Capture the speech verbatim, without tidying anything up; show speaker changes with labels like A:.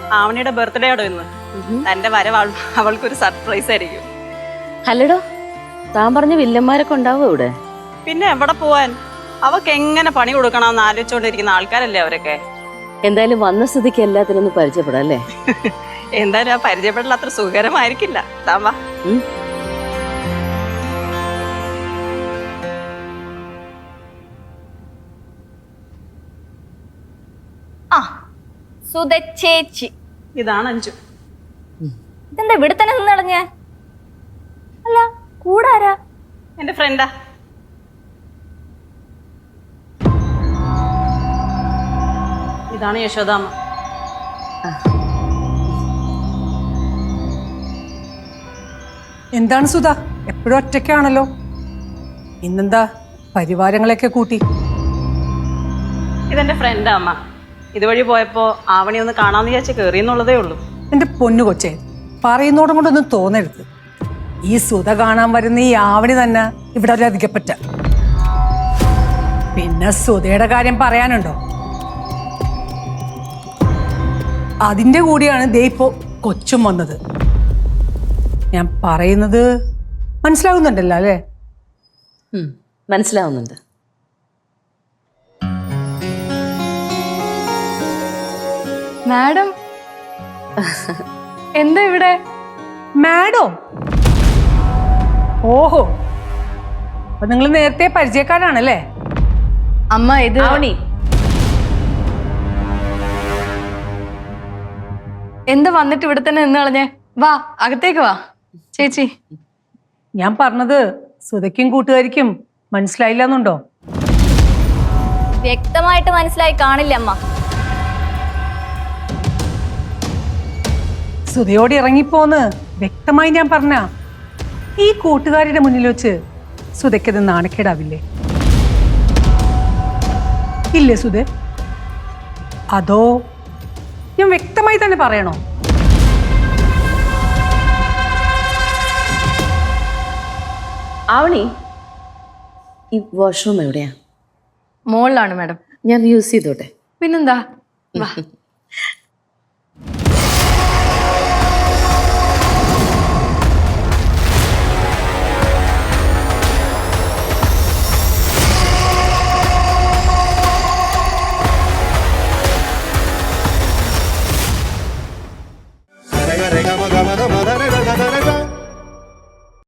A: ആവണിയുടെ birthday ആടോ ഇന്ന്. തന്റെ വരവ് അവൾക്കൊരു സർപ്രൈസ് ആയിരിക്കും.
B: അല്ലടോ, താൻ പറഞ്ഞ വില്ലന്മാരൊക്കെ ഉണ്ടാവും ഇവിടെ.
A: പിന്നെ എവിടെ പോവാൻ? അവക്ക് എങ്ങനെ പണി കൊടുക്കണമെന്ന് ആലോചിച്ചോണ്ടിരിക്കുന്ന ആൾക്കാരല്ലേ അവരൊക്കെ.
B: എന്തായാലും വന്ന സ്ഥിതിക്ക് എല്ലാത്തിനും ഒന്ന് പരിചയപ്പെടാം അല്ലേ?
A: എന്തായാലും ആ പരിചയപ്പെടൽ അത്ര സുഖകരമായിരിക്കില്ല. താൻ വാ.
C: ആ സുധ ചേച്ചി,
A: ഇതാണ് അഞ്ചു.
C: ഇതെന്താ ഇവിടെ തന്നെ നിന്ന് കളഞ്ഞേ? അല്ല, കൂടാരാ?
A: എന്റെ ഫ്രണ്ടാ. ഇതാണ് യശോദാമ്മ.
D: എന്താണ് സുധ, എപ്പോഴും ഒറ്റയ്ക്കാണല്ലോ? ഇന്നെന്താ പരിവാരങ്ങളൊക്കെ കൂട്ടി?
A: ഇതെന്റെ ഫ്രണ്ടാ അമ്മ. ഇതുവഴി പോയപ്പോ ആവണി ഒന്ന് കാണാന്ന് വിചാരിച്ച് കേറിയെന്നുള്ളതേ ഉള്ളൂ.
D: എന്റെ പൊന്നു കൊച്ചേ, പറയുന്നോടും കൊണ്ടൊന്നും തോന്നരുത്. ഈ സുധ കാണാൻ വരുന്ന ഈ ആവണി തന്നെ ഇവിടെ ഒരു അധികപ്പറ്റ. പിന്നെ സുധയുടെ കാര്യം പറയാനുണ്ടോ? അതിന്റെ കൂടിയാണ് ദേ ഇപ്പോ കൊച്ചും വന്നത്. ഞാൻ പറയുന്നത് മനസ്സിലാവുന്നുണ്ടല്ലോ അല്ലേ?
B: മനസ്സിലാവുന്നുണ്ട്.
E: മാഡം എന്താ ഇവിടെ?
D: മാഡോ? ഓഹോ, അപ്പൊ നിങ്ങൾ നേരത്തെ പരിചയക്കാരാണല്ലേ?
E: അമ്മ ഇത്
B: ആവണി,
E: എന്താ വന്നിട്ട് ഇവിടെ തന്നെ നിന്ന് കളഞ്ഞേ? വാ, അകത്തേക്ക് വാ ചേച്ചി.
D: ഞാൻ പറഞ്ഞത് സുധയ്ക്കും കൂട്ടുകാരിക്കും മനസ്സിലായില്ല എന്നുണ്ടോ?
C: വ്യക്തമായിട്ട് മനസ്സിലായി കാണില്ല അമ്മ.
D: സുധയോട് ഇറങ്ങിപ്പോന്ന് വ്യക്തമായി ഞാൻ പറഞ്ഞ ഈ കൂട്ടുകാരുടെ മുന്നിൽ വെച്ച് സുധയ്ക്കത് നാണക്കേടാവില്ലേ? ഇല്ലേ സുധ? അതോ ഞാൻ വ്യക്തമായി തന്നെ പറയണോ?
B: ആവണി, ഈ വാഷ്റൂം എവിടെയാ?
E: മോളിലാണ് മാഡം.
B: ഞാൻ യൂസ് ചെയ്തോട്ടെ?
E: പിന്നെന്താ, വാ.
F: Rega, rega, maga, maga, maga,